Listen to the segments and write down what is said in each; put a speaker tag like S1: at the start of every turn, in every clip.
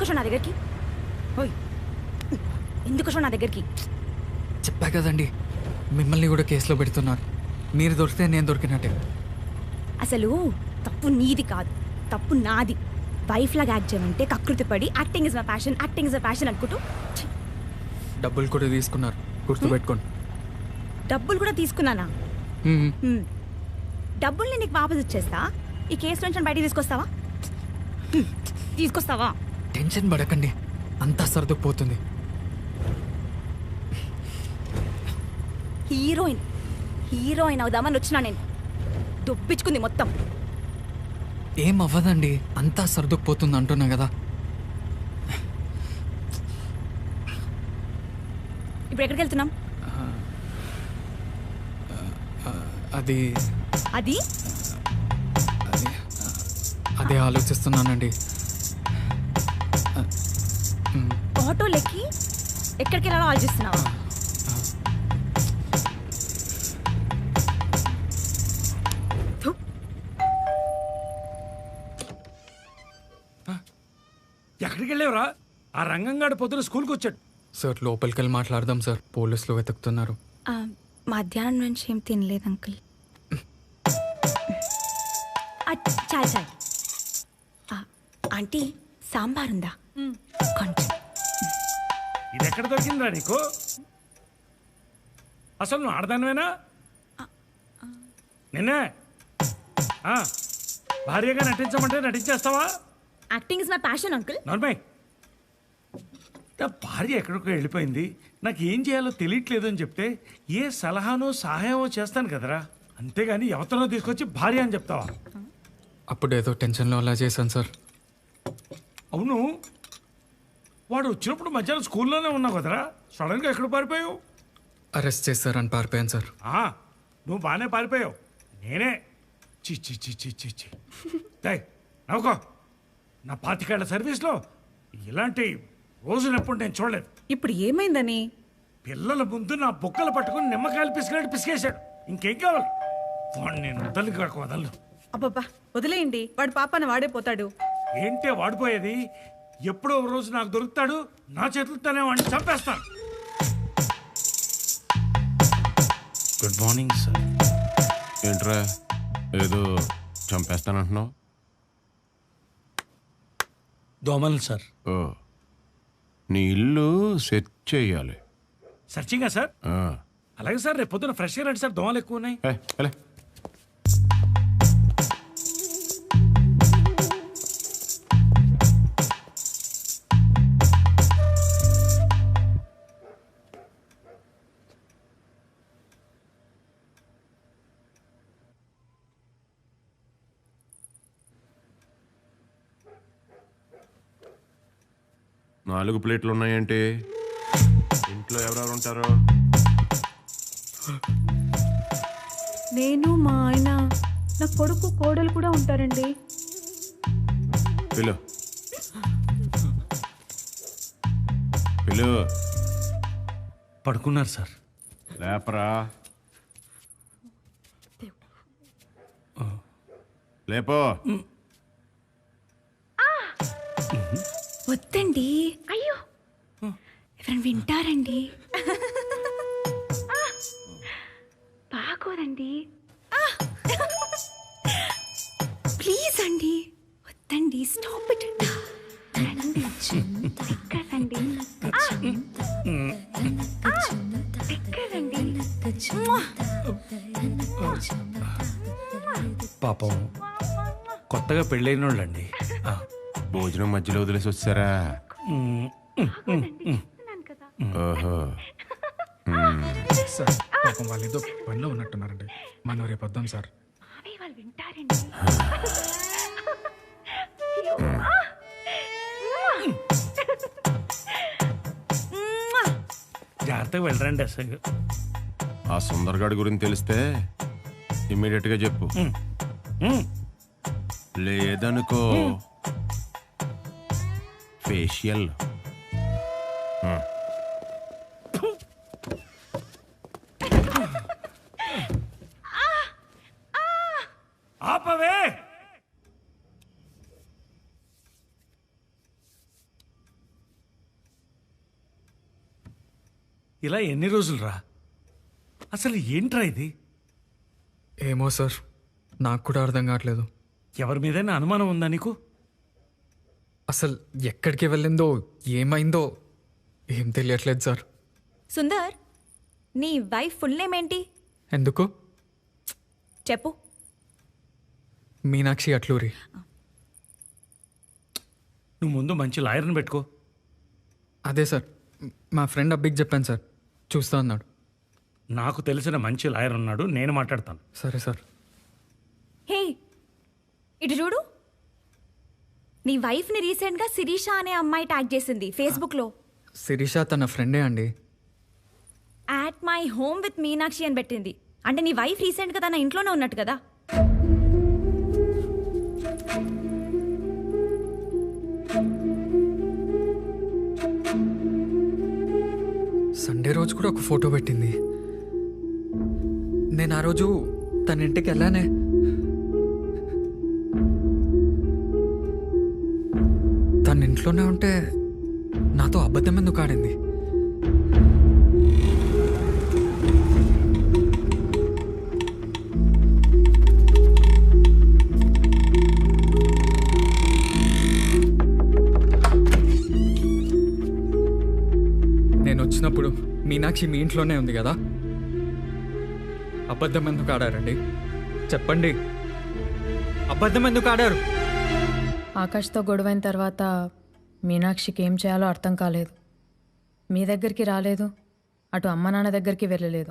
S1: వచ్చావు నా దగ్గరికి? ఓయ్, ఎందుకు వచ్చావు నా దగ్గరికి?
S2: చెప్పా కదండి, మిమ్మల్ని కూడా కేసులో పెడుతున్నారు. మీరు దొరికితే నేను దొరికినట్టే.
S1: అసలు తప్పు నీది కాదు, తప్పు నాది. వైఫ్ లాగా యాక్ట్ చేయమంటే కకృతి పడి acting is my passion, acting is my passion అనుకుంటూ
S2: డబ్బులు కూడా తీసుకున్నారు, గుర్తుపెట్టుకోండి.
S1: డబ్బులు కూడా తీసుకున్నానా? డబ్బుల్ని నీకు వాపస్ ఇచ్చేస్తా. ఈ కేసు నుంచి బయటికి తీసుకొస్తావా? తీసుకొస్తావా?
S2: టెన్షన్ పడకండి, అంతా సర్దుకుపోతుంది.
S1: హీరోయిన్ హీరోయిన్ అవుదామని వచ్చినా నేను. దొప్పించుకుంది మొత్తం.
S2: ఏం అవ్వదండి, అంతా సర్దుకుపోతుంది అంటున్నా కదా.
S1: ఇప్పుడు ఎక్కడికి వెళ్తున్నాం?
S2: అది
S1: అది
S2: అదే ఆలోచిస్తున్నానండి.
S1: ఆటోలెక్కి ఎక్కడికి వెళ్ళాలో ఆలోచిస్తున్నావా?
S3: ఎక్కడికి వెళ్ళేవరా? ఆ రంగంగాడు పొద్దున స్కూల్కి వచ్చాడు.
S2: సార్ లోపలికి వెళ్ళి మాట్లాడదాం సార్, పోలీసులు వెతుకుతున్నారు.
S1: మధ్యాహ్నం నుంచి ఏం తినలేదు అంకుల్. చాలు చాలు. ఆంటీ సాంబార్ ఉందా? కొంచెం.
S3: ఇది ఎక్కడ దొరికిందిరా నీకు? అసలు నువ్వు ఆడదానివేనా? నిన్నే భార్యగా నటించమంటే నటించేస్తావా?
S1: Acting is my passion uncle.
S3: Normal. నా భార్య ఎక్కడికో వెళ్ళిపోయింది, నాకు ఏం చేయాలో తెలియట్లేదు అని చెప్తే ఏ సలహానో సహాయమో చేస్తాను కదరా, అంతేగాని ఎవరినో తీసుకొచ్చి భార్య అని చెప్తావా?
S2: అప్పుడు ఏదో టెన్షన్లో అలా చేశాను సార్.
S3: అవును, వాడు వచ్చినప్పుడు మధ్యాహ్నం స్కూల్లోనే ఉన్నావు కదరా, సడన్గా ఎక్కడ పారిపోయావు?
S2: అరెస్ట్ చేస్తారని పారిపోయాను సార్.
S3: నువ్వు బాగానే పారిపోయావు, నేనే చిచ్చి చిచ్చి చిచ్చి నవ్వుకో. నా 25 ఏళ్ల సర్వీస్లో ఇలాంటి రోజునప్పుడు నేను చూడలేదు.
S4: ఇప్పుడు ఏమైందని?
S3: పిల్లల ముందు నా బొక్కలు పట్టుకుని నిమ్మకాయలు పిసికినట్టు పిసికేశాడు. ఇంకేం కావాలి? వాడు నేను వదలను.
S4: అబ్బబ్బా వదిలేయండి, వాడు పాపన వాడే పోతాడు.
S3: ఏంటే వాడిపోయేది? ఎప్పుడో ఒక రోజు నాకు దొరుకుతాడు, నా చేతులతోనే వాడిని చంపేస్తాను.
S5: Good morning sir. ఏంట్రా ఏదో చంపేస్తానంటున్నావు?
S3: దోమలు సార్.
S5: ఓ, నీ ఇల్లు సెట్ చేయాలి.
S3: సర్చింగా సార్? అలాగే సార్, రేపు పొద్దున ఫ్రెష్గా రండి సార్, దోమలు ఎక్కువ ఉన్నాయి.
S5: 4 ప్లేట్లు ఉన్నాయంటే ఇంట్లో ఎవరెవరు ఉంటారు?
S4: నేను, మా ఆయన, నా కొడుకు, కోడలు కూడా ఉంటారండి.
S5: పిలు పిలు.
S3: పడుకున్నారు సార్.
S5: లేపరా, లేపో.
S1: వద్దండి, అయ్యో ఎవరైనా వింటారండి. బాగోదండి, ప్లీజ్ అండి, వద్దండి, స్టాప్ ఇట్. ఎక్కడండి?
S3: పాపం కొత్తగా పెళ్ళైన వాళ్ళండి.
S5: భోజనం మధ్యలో వదిలేసి వచ్చారా? ఓహో.
S2: సార్ పాపం వాళ్ళు ఏదో పనిలో ఉన్నట్టున్నారండి, మనం రేపు వద్దాం సార్.
S3: జాగ్రత్తగా వెళ్ళరండి. అసలు
S5: ఆ సుందర్గాడి గురించి తెలిస్తే ఇమ్మీడియట్ గా చెప్పు. లేదనుకో ఫేషియల్.
S3: ఆపవే. ఇలా ఎన్ని రోజులు రా? అసలు ఏంట్రా ఇది?
S2: ఏమో సార్, నాకు కూడా అర్థం కావట్లేదు.
S3: ఎవరి మీదైనా అనుమానం ఉందా నీకు?
S2: అసలు ఎక్కడికి వెళ్ళిందో ఏమైందో ఏం తెలియట్లేదు సార్.
S1: సుందర్, నీ వైఫ్ ఫుల్ నేమ్ ఏంటి?
S2: ఎందుకు?
S1: చెప్పు.
S2: మీనాక్షి అట్లూరి.
S3: నువ్వు ముందు మంచి లాయర్ని పెట్టుకో.
S2: అదే సార్, మా ఫ్రెండ్ అబ్బికి చెప్పాను సార్, చూస్తా అన్నాడు.
S3: నాకు తెలిసిన మంచి లాయర్ ఉన్నాడు, నేను మాట్లాడతాను.
S2: సరే సార్.
S1: హే, ఇటు చూడు. నీ వైఫ్ని రీసెంట్గా శిరీష అనే అమ్మాయి ట్యాగ్ చేసింది ఫేస్బుక్లో.
S2: శిరీష తన ఫ్రెండే అండి.
S1: At my home with Meenakshi అని పెట్టింది. అంటే నీ వైఫ్ రీసెంట్గా తన ఇంట్లోనే ఉన్నట్టు కదా?
S2: సండే రోజు కూడా ఒక ఫోటో పెట్టింది. నేను ఆ రోజు తన ఇంటికి వెళ్ళానే. తన ఇంట్లోనే ఉంటే నాతో అబద్ధం ఎందుకు ఆడింది? నేను వచ్చినప్పుడు మీనాక్షి మీ ఇంట్లోనే ఉంది కదా, అబద్ధం ఎందుకు ఆడారండి? చెప్పండి, అబద్ధం ఎందుకు ఆడారు?
S6: ఆకాష్తో గొడవైన తర్వాత మీనాక్షికి ఏం చేయాలో అర్థం కాలేదు. మీ దగ్గరికి రాలేదు, అటు అమ్మ నాన్న దగ్గరికి వెళ్ళలేదు.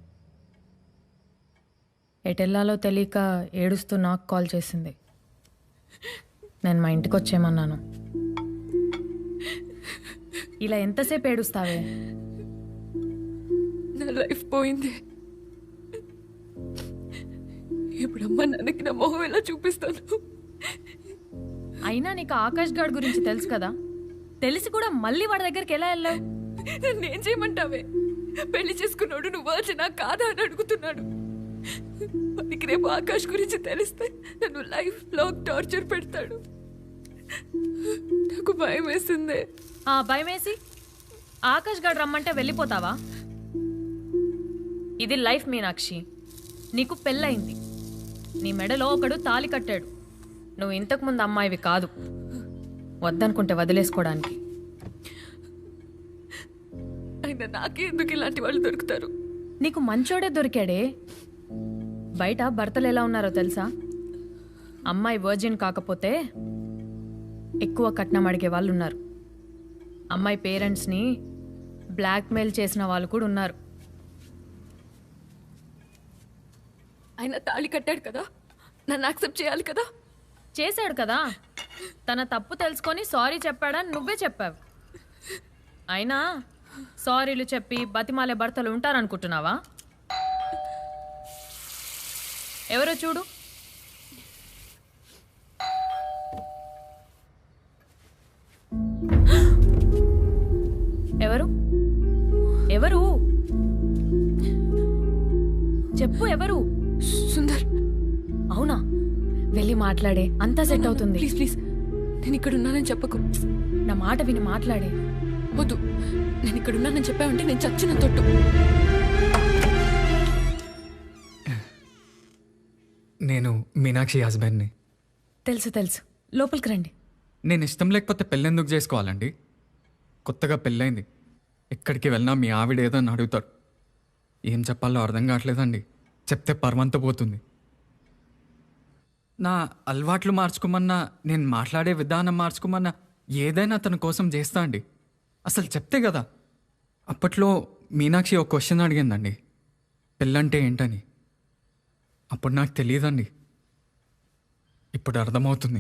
S6: ఎటెల్లాలో తెలియక ఏడుస్తూ నాకు కాల్ చేసింది. నేను మా ఇంటికి వచ్చేయమన్నాను. ఇలా ఎంతసేపు ఏడుస్తావే?
S7: నా లైఫ్ పోయింది. ఇప్పుడు అమ్మ నాన్నకి నా మొహం ఎలా చూపిస్తాను?
S6: అయినా నీకు ఆకాష్ గాడ్ గురించి తెలుసు కదా, తెలిసి కూడా మళ్ళీ వాడి దగ్గరికి ఎలా వెళ్ళావు?
S7: నన్ను ఏం చేయమంటావే? పెళ్లి చేసుకున్నాడు నువ్వు వచ్చినా కాదా అని అడుగుతున్నాడు. వాడికి రేపు ఆకాష్ గురించి తెలిస్తే నన్ను లైఫ్ లాంగ్ టార్చర్ పెడతాడు. నాకు భయం వేసిందే.
S6: ఆ భయం వేసి ఆకాష్ గాడు రమ్మంటే వెళ్ళిపోతావా? ఇది లైఫ్ మీనాక్షి. నీకు పెళ్ళయింది, నీ మెడలో ఒకడు తాళి కట్టాడు. నువ్వు ఇంతకుముందు అమ్మాయివి కాదు, వద్దనుకుంటే వదిలేసుకోవడానికి.
S7: అయినా నాకే ఎందుకు ఇలాంటి వాళ్ళు దొరుకుతారు?
S6: నీకు మంచోడే దొరికాడే. బయట భర్తలు ఎలా ఉన్నారో తెలుసా? అమ్మాయి వర్జిన్ కాకపోతే ఎక్కువ కట్నం అడిగే వాళ్ళు ఉన్నారు. అమ్మాయి పేరెంట్స్ని బ్లాక్మెయిల్ చేసిన వాళ్ళు కూడా ఉన్నారు.
S7: ఆయన తాళి కట్టాడు కదా, నన్ను యాక్సెప్ట్ చేయాలి కదా.
S6: చేశాడు కదా, తన తప్పు తెలుసుకొని సారీ చెప్పాడని నువ్వే చెప్పావు. అయినా సారీలు చెప్పి బతిమాలే భర్తలు ఉంటారనుకుంటున్నావా? ఎవరో చూడు. ఎవరు ఎవరు చెప్పు, ఎవరు?
S7: సుందర్.
S6: అవునా? వెళ్ళి మాట్లాడే, అంతా సెట్ అవుతుంది.
S7: ప్లీజ్ ప్లీజ్, నేను ఇక్కడ ఉన్నానని చెప్పకు.
S6: నా మాట విని మాట్లాడే.
S7: వద్దు, నేను ఇక్కడ ఉన్నానని చెప్పావంటే నేను చచ్చిన తొట్టు.
S2: నేను మీనాక్షి హస్బెండ్ని.
S6: తెలుసు తెలుసు, లోపలికి రండి.
S2: నేను ఇష్టం లేకపోతే పెళ్ళెందుకు చేసుకోవాలండి? కొత్తగా పెళ్ళైంది, ఎక్కడికి వెళ్ళినా మీ ఆవిడ ఏదో అని అడుగుతారు. ఏం చెప్పాలో అర్థం కావట్లేదండి. చెప్తే పర్వంత పోతుంది. నా అలవాట్లు మార్చుకోమన్నా, నేను మాట్లాడే విధానం మార్చుకోమన్నా ఏదైనా తన కోసం చేస్తా అండి. అసలు చెప్తే కదా. అప్పట్లో మీనాక్షి ఒక క్వశ్చన్ అడిగిందండి, పెళ్ళంటే ఏంటని. అప్పుడు నాకు తెలియదండి, ఇప్పుడు అర్థమవుతుంది.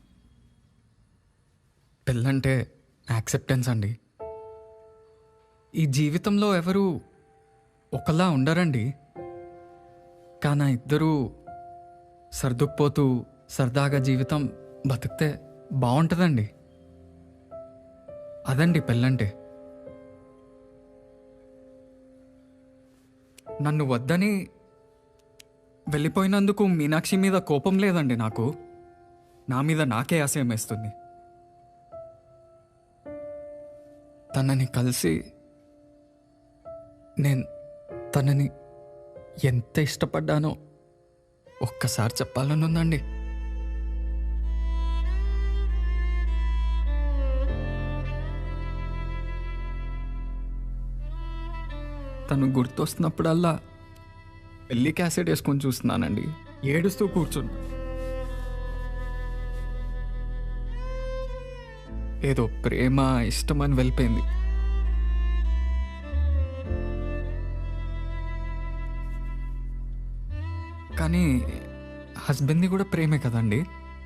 S2: పెళ్ళంటే యాక్సెప్టెన్స్ అండి. ఈ జీవితంలో ఎవరు ఒకలా ఉండరండి, కానీ ఇద్దరూ సర్దుకుపోతూ సరదాగా జీవితం బతికితే బాగుంటుందండి. అదండి పెళ్ళంటే. నన్ను వద్దని వెళ్ళిపోయినందుకు మీనాక్షి మీద కోపం లేదండి నాకు. నా మీద నాకే అసహ్యం వేస్తుంది. తనని కలిసి నేను తనని ఎంత ఇష్టపడ్డానో ఒక్కసారి చెప్పాలని ఉందండి. తను గుర్తొస్తున్నప్పుడల్లా పెళ్లి క్యాసెట్ వేసుకొని చూస్తున్నానండి. ఏడుస్తూ కూర్చున్నా. ఏదో ప్రేమ ఇష్టం అని వెళ్ళిపోయింది. కానీ హస్బెండ్ని కూడా ప్రేమే కదండి.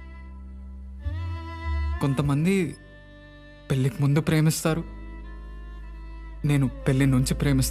S2: కొంతమంది పెళ్ళికి ముందు ప్రేమిస్తారు, నేను పెళ్ళి నుంచి ప్రేమిస్తాను.